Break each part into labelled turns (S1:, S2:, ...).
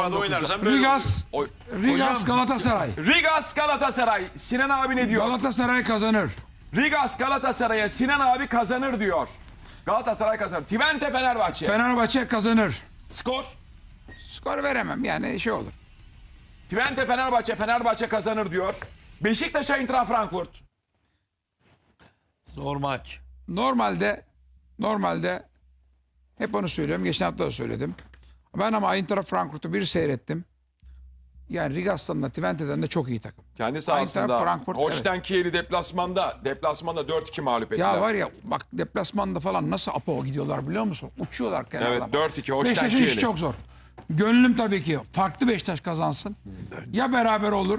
S1: Avrupa'da oynarsan böyle
S2: Rigas,
S1: olur.
S2: Rigas Galatasaray.
S3: Rigas Galatasaray. Sinan abi ne diyor?
S2: Galatasaray kazanır.
S3: Rigas Galatasaray'a Sinan abi kazanır diyor. Galatasaray kazanır. Twente Fenerbahçe.
S2: Fenerbahçe kazanır.
S3: Skor.
S2: Skor veremem yani şey olur.
S3: Twente Fenerbahçe kazanır diyor. Beşiktaş Eintracht Frankfurt.
S4: Zor maç.
S2: Normalde hep onu söylüyorum. Geçen hafta da söyledim. Ben ama Eintracht Frankfurt'u bir seyrettim. Yani Rigas'tan da Twente'den de çok iyi takım.
S3: Kendi sahasında.
S2: Eintracht Frankfurt,
S3: Holstein Kiel'i deplasmanda 4-2 mağlup ettiler.
S2: Ya var ya bak deplasmanda falan nasıl apo gidiyorlar biliyor musun? Uçuyorlar kenardan.
S3: Evet 4-2 Holstein
S2: Beşiktaş'ın
S3: Kiel'i.
S2: işi çok zor. Gönlüm tabii ki farklı Beşiktaş kazansın. Ya beraber olur.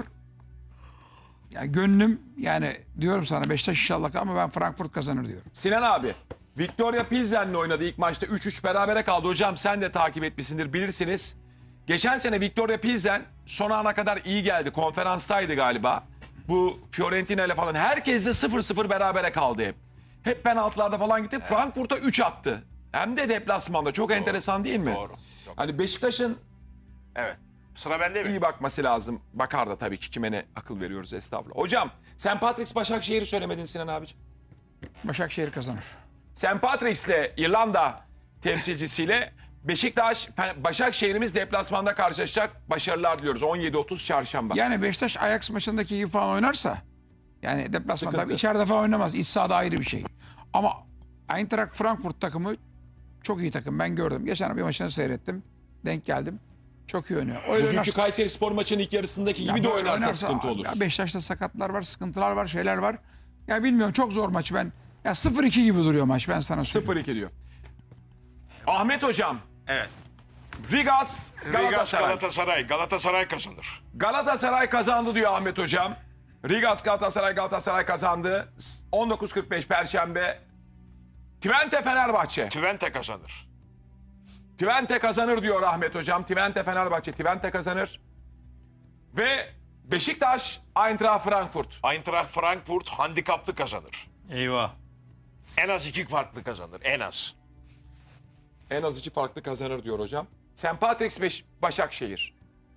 S2: Ya gönlüm yani diyorum sana Beşiktaş inşallah ama ben Frankfurt kazanır diyorum.
S3: Sinan abi. Victoria Pilsen'le oynadı ilk maçta 3-3 berabere kaldı. Hocam sen de takip etmişsindir bilirsiniz. Geçen sene Victoria Pilsen son ana kadar iyi geldi. Konferanstaydı galiba. Bu Fiorentina ile falan herkesle 0-0 berabere kaldı hep. Hep penaltılarda falan gitti. Frankfurt'a 3 attı. Hem de deplasmanda. Çok enteresan değil mi?
S1: Doğru. Çok-
S3: Hani Beşiktaş'ın
S1: Evet. Sıra bende mi?
S3: iyi bakması lazım. Bakar da tabii ki kime ne akıl veriyoruz estağfurullah. Hocam St. Patrick's Başakşehir'i söylemedin Sinan abiciğim.
S2: Başakşehir kazanır.
S3: St. Patrick's'le İrlanda temsilcisiyle Beşiktaş, Başakşehir'imiz deplasmanda karşılaşacak. Başarılar diliyoruz. 17.30 çarşamba.
S2: Yani Beşiktaş Ajax maçındaki gibi falan oynarsa yani deplasmanda
S3: Sıkıntı.
S2: tabii içeride falan oynamaz. İç sahada ayrı bir şey. Ama Eintracht Frankfurt takımı çok iyi takım. Ben gördüm. Geçen bir maçını seyrettim. Denk geldim. Çok iyi oynuyor. Öyle
S3: Bugünkü
S2: oynarsa-
S3: Kayseri Spor maçının ilk yarısındaki gibi de
S2: böyle
S3: oynarsa sıkıntı olur.
S2: Ya Beşiktaş'ta sakatlar var, sıkıntılar var, şeyler var. Ya bilmiyorum çok zor maç ben. Ya 0-2 gibi duruyor maç ben sana söyleyeyim.
S3: 0-2 diyor. Ahmet hocam.
S1: Evet.
S3: Rigas
S1: Rigas
S3: Galatasaray.
S1: Galatasaray. Galatasaray kazanır.
S3: Galatasaray kazandı diyor Ahmet hocam. Rigas Galatasaray kazandı. 19.45 Perşembe. Twente Fenerbahçe.
S1: Twente kazanır.
S3: Twente kazanır diyor Ahmet hocam. Twente kazanır. Ve Beşiktaş Eintracht Frankfurt.
S1: Eintracht Frankfurt handikaplı kazanır.
S4: Eyvah.
S1: En az 2 farklı kazanır. En az.
S3: En az 2 farklı kazanır diyor hocam. St. Patrick's Başakşehir.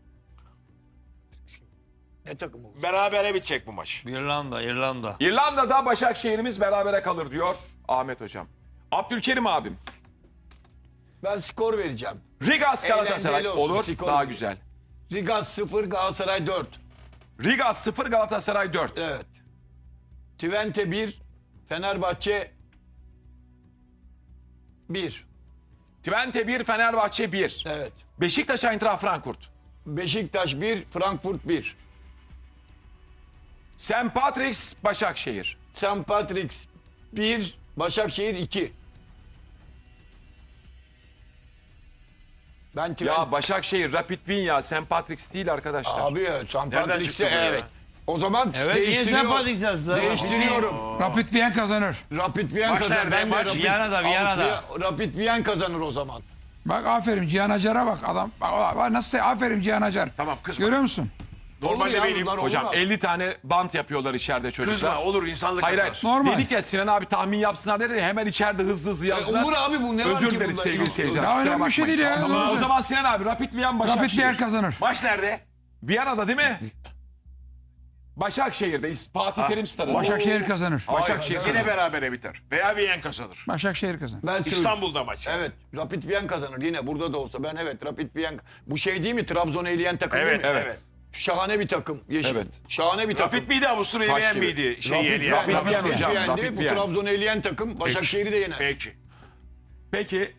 S1: Ne takımı? Berabere bitecek bu maç.
S4: İrlanda.
S3: İrlanda'da Başakşehir'imiz berabere kalır diyor Ahmet hocam. Abdülkerim abim.
S5: Ben skor vereceğim.
S3: Rigas Galatasaray
S5: Eğlenceli olsun,
S3: olur
S5: skor
S3: daha
S5: vereyim.
S3: güzel.
S5: Rigas 0, Galatasaray 4.
S3: Rigas 0 Galatasaray 4.
S5: Evet. Twente 1, Fenerbahçe 1.
S3: Twente 1 Fenerbahçe 1.
S5: Evet.
S3: Beşiktaş Eintracht Frankfurt.
S5: Beşiktaş 1, Frankfurt 1.
S3: St. Patrick's Başakşehir.
S5: St. Patrick's 1, Başakşehir 2. Ben Twente...
S3: Ya Başakşehir Rapid Wien ya St. Patrick's değil arkadaşlar.
S5: Abi St.
S1: Nereden
S5: Patrick'te
S1: çıktı bu ya?
S5: evet. O zaman
S4: Evet niye
S5: değiştiriyorum.
S4: sen patlayacağız lan?
S5: Değiştiriyorum.
S2: Rapid Wien kazanır.
S5: Rapid Wien
S1: Maç
S5: kazanır.
S1: nerede?
S5: Ben de
S1: Maç
S4: Viyana'da.
S5: Rapid Wien kazanır o zaman.
S2: Bak aferin Cihan Acar'a bak adam. Bak nasıl aferin Cihan Acar.
S1: Tamam, kızma.
S2: Görüyor musun?
S1: Normalde
S5: Olur ya,
S1: benim.
S5: bunlar olur
S3: Hocam
S5: abi.
S3: 50 tane bant yapıyorlar içeride çocuklar.
S1: Kızma olur insanlık
S3: Hayır hayır.
S1: hatası.
S2: Normal.
S3: Dedik ya Sinan abi tahmin yapsınlar dedi ya, hemen içeride hızlı yazdılar.
S5: Olur abi bu ne var
S3: Özür
S5: ki
S3: dileriz
S5: bunda?
S3: sevgili seyirciler.
S2: Ya
S3: kusura
S2: önemli bir şey
S3: bakmayın.
S2: değil ya.
S3: Tamam,
S2: Olur.
S3: o zaman Sinan abi Rapid Wien
S2: Rapid
S3: Başakşehir.
S2: Wien kazanır.
S1: Maç nerede?
S3: Viyana'da değil mi? Başakşehir'de Fatih Terim Stadı.
S2: Başakşehir kazanır.
S3: Başakşehir.
S1: Hayır, yine berabere biter. Veya Viyen kazanır.
S2: Başakşehir kazanır.
S5: Ben söyleyeyim.
S1: İstanbul'da maç.
S5: Evet. Rapid Wien kazanır yine burada da olsa. Ben evet Rapid Wien. Bu şey değil mi? Trabzon'u eleyen takım
S1: Evet,
S5: değil mi?
S1: evet.
S5: Şahane bir takım. Yeşil.
S3: Evet.
S5: Şahane bir takım.
S1: Rapid miydi Avusturya
S3: Taş
S1: Viyen
S3: gibi.
S1: miydi?
S5: Rapid
S1: Yeniyen.
S5: Wien,
S3: Rapid Wien
S5: Rapid
S3: hocam,
S5: Wien'di.
S3: Rapid
S5: Bu
S3: Wien.
S5: Trabzon'u eleyen takım Başakşehir'i de yener.
S1: Peki.
S3: Peki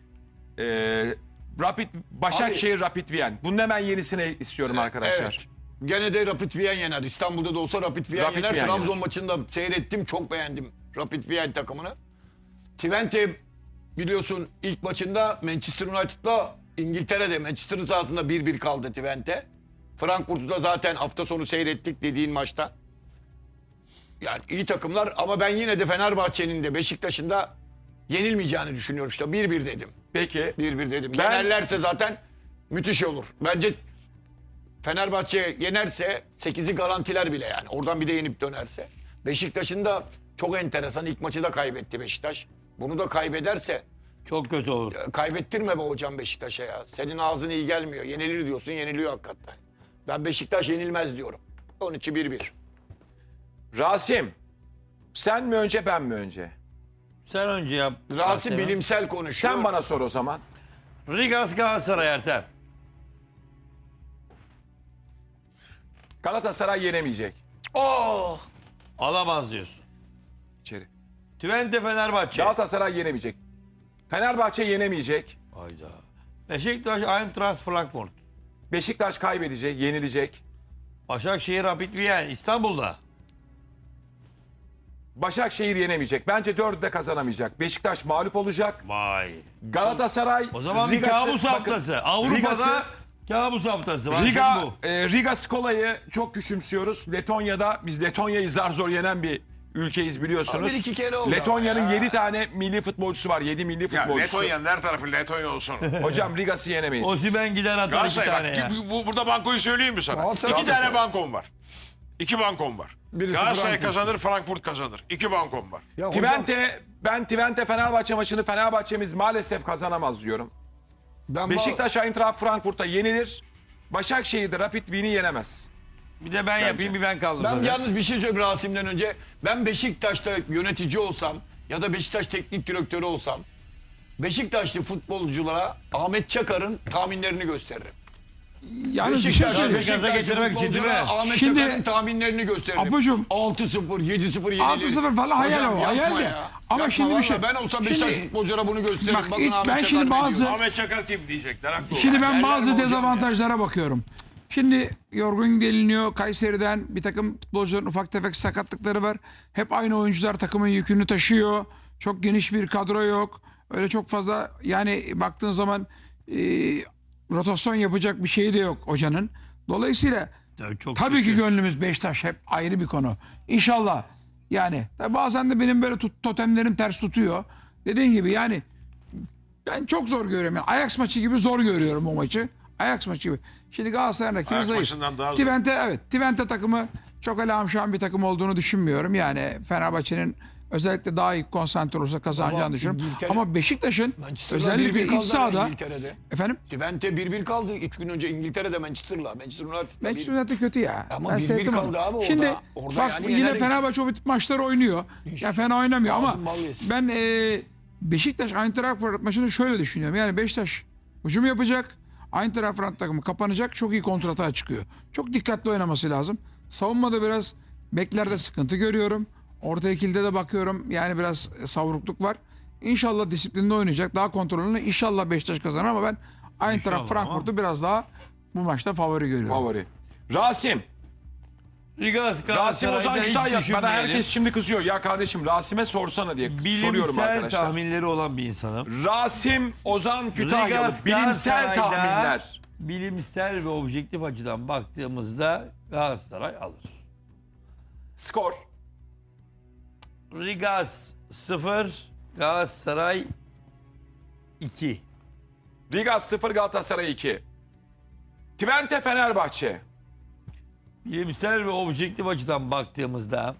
S3: Başakşehir Rapid Wien. Bunun hemen yenisini istiyorum arkadaşlar.
S5: Evet. Gene de Rapid Wien yener. İstanbul'da da olsa Rapid Wien
S3: Rapid
S5: yener.
S3: Wien
S5: Trabzon
S3: yener.
S5: maçında seyrettim. Çok beğendim Rapid Wien takımını. Twente biliyorsun ilk maçında Manchester United'la İngiltere'de Manchester'ın sahasında 1-1 kaldı Twente. Frankfurt'u da zaten hafta sonu seyrettik dediğin maçta. Yani iyi takımlar ama ben yine de Fenerbahçe'nin de Beşiktaş'ın da yenilmeyeceğini düşünüyorum işte. 1-1 dedim.
S3: Peki
S5: 1-1 dedim.
S3: Ben-
S5: Yenerlerse zaten müthiş olur. Bence Fenerbahçe yenerse 8'i garantiler bile yani. Oradan bir de yenip dönerse. Beşiktaş'ın da çok enteresan ilk maçı da kaybetti Beşiktaş. Bunu da kaybederse
S4: Çok kötü olur.
S5: Kaybettirme be hocam Beşiktaş'a ya. Senin ağzın iyi gelmiyor. Yenilir diyorsun, yeniliyor hakikaten. Ben Beşiktaş yenilmez diyorum. 12-1-1.
S3: Rasim, sen mi önce ben mi önce?
S4: Sen önce yap.
S5: Rasim
S4: Ertem.
S5: bilimsel konuşuyor.
S3: Sen bana sor o zaman.
S4: Rigas Galatasaray Ertem.
S3: Galatasaray yenemeyecek.
S5: Oh!
S4: Alamaz diyorsun.
S3: İçeri.
S4: Twente Fenerbahçe.
S3: Galatasaray yenemeyecek. Fenerbahçe yenemeyecek.
S4: Hayda. Beşiktaş Eintracht Frankfurt.
S3: Beşiktaş kaybedecek, yenilecek.
S4: Başakşehir Rapid Wien İstanbul'da.
S3: Başakşehir yenemeyecek. Bence 4'ü de kazanamayacak. Beşiktaş mağlup olacak.
S4: Vay.
S3: Galatasaray
S4: O zaman bir
S3: Riga'sı-
S4: kabus
S3: bakın,
S4: haftası. Avrupa'da
S3: Riga'sı-
S4: kabus haftası. Var
S3: Riga,
S4: bu.
S3: Riga Skola'yı çok küçümsüyoruz. Letonya'da biz Letonya'yı zar zor yenen bir ülkeyiz biliyorsunuz.
S5: Bir iki kere oldu
S3: Letonya'nın
S5: ama ya.
S3: 7 tane milli futbolcusu var. 7 milli
S1: Ya
S3: futbolcusu.
S1: Letonya'nın her tarafı Letonya olsun.
S3: Hocam Riga'sı yenemeyiz. biz.
S4: Osimhen gider atar 2
S1: Galatasaray
S4: tane ya.
S1: bak burada bankoyu söyleyeyim mi sana?
S5: Galatasaray-
S1: 2 tane bankom var. 2 bankom var.
S5: Birisi
S1: Galatasaray
S5: Frankfurt.
S1: kazanır, Frankfurt kazanır. 2 bankom var.
S5: Ya hocam,
S3: Twente Fenerbahçe maçını Fenerbahçe'miz maalesef kazanamaz diyorum.
S5: ben
S3: Beşiktaş Eintracht Frankfurt'a yenilir. Başakşehir'de Rapid Wien'i yenemez.
S4: Bir de ben yapayım bir ben kaldım.
S5: Ben
S4: zaten.
S5: yalnız bir şey söyleyeyim Rasim'den önce. Ben Beşiktaş'ta yönetici olsam ya da Beşiktaş teknik direktörü olsam Beşiktaşlı futbolculara Ahmet Çakar'ın tahminlerini gösteririm.
S2: Yalnız bir şey söyleyeyim.
S4: Gaza getirmek için değil mi?
S5: Ahmet
S2: Şimdi-
S5: Çakar'ın tahminlerini gösteririm.
S2: Apocuğum,
S5: 6-0, 7-0 yenilir.
S2: 6-0 falan hayal
S5: Hocam
S2: o,
S5: yapma
S2: hayal de.
S5: ya.
S2: Ama
S5: Yapma
S2: şimdi bir
S5: vallahi.
S2: şey-
S5: Ben olsam
S2: Şimdi-
S5: Beşiktaş futbolculara bunu gösteririm.
S2: Bak,
S5: Bakın
S2: hiç-
S5: Ahmet
S2: ben
S5: Çakar
S2: şimdi
S5: ne
S2: bazı-
S5: diyor.
S1: Ahmet Çakar kim diyecekler. Haklı
S2: Şimdi
S1: olarak.
S2: ben
S5: Derler mi
S2: bazı
S5: hocam
S2: dezavantajlara bakıyorum. Şimdi Yorgun geliniyor. Kayseri'den bir takım futbolcuların ufak tefek sakatlıkları var. Hep aynı oyuncular takımın yükünü taşıyor. Çok geniş bir kadro yok. Öyle çok fazla yani baktığın zaman rotasyon yapacak bir şey de yok hocanın. Dolayısıyla
S4: Çok
S2: tabii ki gönlümüz Beşiktaş hep ayrı bir konu. İnşallah yani bazen de benim böyle totemlerim ters tutuyor. Dediğin gibi yani ben çok zor görüyorum. Yani Ajax maçı gibi zor görüyorum o maçı. Ajax maçı gibi. Şimdi Galatasaray'ın rakibi
S1: Ajax
S2: zayıf.
S1: maçından daha zor.
S2: Twente takımı çok öyle amşan bir takım olduğunu düşünmüyorum. Yani Fenerbahçe'nin özellikle daha iyi konsantre olursa kazanacağını
S5: Ama
S2: düşünüyorum.
S5: İngiltere-
S2: Ama Beşiktaş'ın
S5: Manchester'la
S2: özellikle
S5: 1-1
S2: iç
S5: kaldı
S2: sahada
S5: İngiltere'de.
S2: efendim
S5: Twente 1-1 kaldı 3 gün önce İngiltere'de Manchester'la. Manchester United'la.
S2: Manchester United kötü ya.
S5: Ama
S2: Ben
S5: 1-1
S2: seyrettim
S5: kaldı
S2: onu.
S5: abi orada.
S2: Şimdi
S5: Orada
S2: bak
S5: yani
S2: yine
S5: yener-
S2: Fenerbahçe o tip maçlar oynuyor. Ya fena oynamıyor ama
S5: Ağzın bal yesin.
S2: ben Beşiktaş Eintracht Frankfurt maçını şöyle düşünüyorum. Yani Beşiktaş hücum yapacak. Eintracht Frankfurt takımı kapanacak. Çok iyi kontratağa çıkıyor. Çok dikkatli oynaması lazım. Savunmada biraz beklerde sıkıntı görüyorum. Orta ikilide de bakıyorum. Yani biraz savrukluk var. İnşallah disiplinli oynayacak. Daha kontrollü. İnşallah Beşiktaş kazanır ama ben Eintracht
S4: İnşallah
S2: Frankfurt'u biraz daha bu maçta favori görüyorum.
S3: Favori. Rasim.
S4: Rigas
S3: Rasim
S4: Galatasaray'da
S3: Ozan
S4: hiç
S3: Kütahya. Bana
S4: düşünmeyelim.
S3: herkes şimdi kızıyor. Ya kardeşim Rasim'e sorsana diye soruyorum
S4: Bilimsel
S3: arkadaşlar.
S4: tahminleri olan bir insanım.
S3: Rasim Ozan Kütahyalı.
S4: Rigas
S3: Bilimsel
S4: Galatasaray'da
S3: tahminler.
S4: Bilimsel ve objektif açıdan baktığımızda Galatasaray alır.
S3: Skor.
S4: Rigas 0, Galatasaray 2.
S3: Rigas 0 Galatasaray 2. Twente Fenerbahçe.
S4: Bilimsel ve objektif açıdan baktığımızda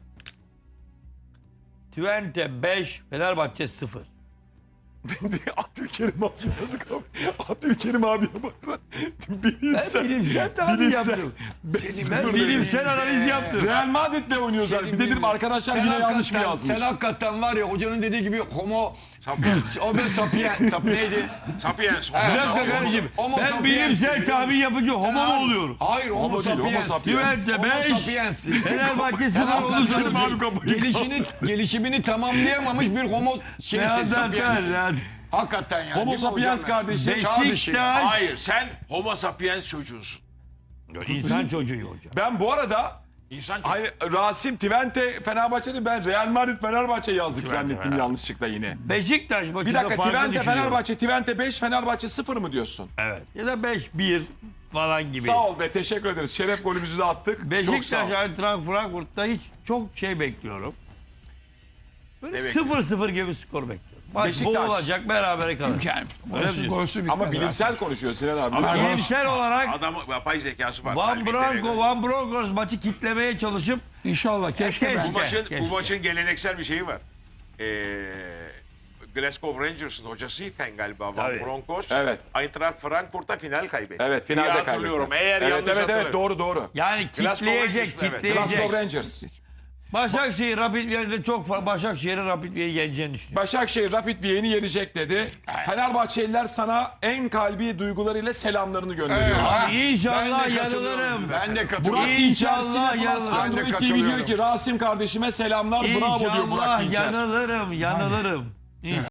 S4: Twente 5, Fenerbahçe 0.
S3: Abdülkerim abi yazık abi. Abdülkerim abiye baksana.
S4: Ben
S3: Bilimsel.
S4: bilimsel tahmin yaptım. Ben bilimsel analiz yaptım.
S3: Real Madrid'le oynuyorlar. Bir dedim arkadaşlar yine yanlış mı yazmış?
S5: Sen hakikaten var ya hocanın dediği gibi homo
S1: Sapiens.
S5: o ben sapien sap neydi?
S1: Sapiens.
S4: Bir dakika kardeşim.
S5: Homo
S4: Ben
S5: sapiens
S4: bilimsel
S5: biliyor
S4: tahmin
S5: musun?
S4: yapınca homo mu oluyorum?
S5: Hayır homo
S3: Homo değil, homo
S5: sapiens.
S3: sapiens.
S4: Twente
S5: Homo
S4: 5,
S5: sapiens.
S4: Fenerbahçe 0 olursa
S5: Gelişimini tamamlayamamış bir homo şeysi sapiens. Hakikaten yani.
S3: Homo
S5: değil mi
S3: sapiens
S5: hocam ya?
S3: kardeşim.
S5: Çağ dışı ya.
S4: Beşiktaş.
S1: Hayır sen homo sapiens çocuğusun.
S4: İnsan çocuğu hocam.
S3: Ben bu arada
S1: İnsan çocuğu.
S3: hayır, Rasim Twente Fenerbahçe'de ben Real Madrid Fenerbahçe yazdık zannettim yanlışlıkla yine.
S4: Beşiktaş maçında
S3: Bir dakika
S4: farklı
S3: Twente
S4: düşünüyorum.
S3: Fenerbahçe Twente 5 Fenerbahçe 0 mı diyorsun?
S4: Evet. Ya da 5-1 falan gibi.
S3: Sağ ol be teşekkür ederiz. Şeref golümüzü de attık. Çok sağ
S4: Beşiktaş
S3: ol.
S4: Eintracht Frankfurt'ta hiç çok şey bekliyorum. Böyle
S1: Ne bekliyorsun?
S4: 0-0 gibi skor bekliyorum. Maç
S3: Beşiktaş.
S4: boğulacak berabere kalır.
S2: Yani
S4: Öyle mi diyorsun?
S2: golsü bitmez.
S3: Ama bilimsel konuşuyor Sinan abi.
S1: Ama
S3: Lütfen.
S4: Bilimsel olarak
S1: Adamın yapay zekası var.
S4: Van
S1: Kalbi
S4: Branco,
S1: devre.
S4: Van Bronckhorst maçı kitlemeye çalışıp
S2: İnşallah keşke ben.
S1: Bu maçın,
S4: Keşke.
S1: bu maçın geleneksel bir şeyi var. Glasgow Rangers'ın hocasıyken galiba Van
S4: Tabii.
S1: Bronckhorst.
S3: Evet.
S1: Eintracht Frankfurt'ta final kaybetti.
S3: Evet,
S1: diye
S3: finalde
S1: hatırlıyorum.
S3: kaybetti.
S1: Eğer
S3: Evet,
S1: yanlış
S3: evet,
S1: hatırlamıyorum.
S3: doğru.
S4: Yani
S1: Glasgow
S4: kitleyecek,
S1: Rangers, evet.
S4: kitleyecek.
S3: Glasgow Rangers.
S4: Başakşehir Rapid Viyen'de çok fazla Başakşehir'in Rapid Viyen'i yeneceğini düşünüyorum.
S3: Başakşehir Rapid Viyen'i yenecek dedi. Fenerbahçeliler sana en kalbi duygularıyla selamlarını gönderiyor.
S4: Abi
S5: Ben
S4: inşallah
S5: de katılıyorum.
S4: yanılırım.
S5: Ben de
S3: Burak
S5: katılıyorum.
S4: İnşallah
S3: İçerisi'ne Plus
S4: yanılırım.
S5: Ben de
S3: Android TV diyor
S5: katılıyorum.
S3: ki Rasim kardeşime selamlar bravo diyor Burak
S4: İnşallah
S3: Dinçer.
S4: yanılırım.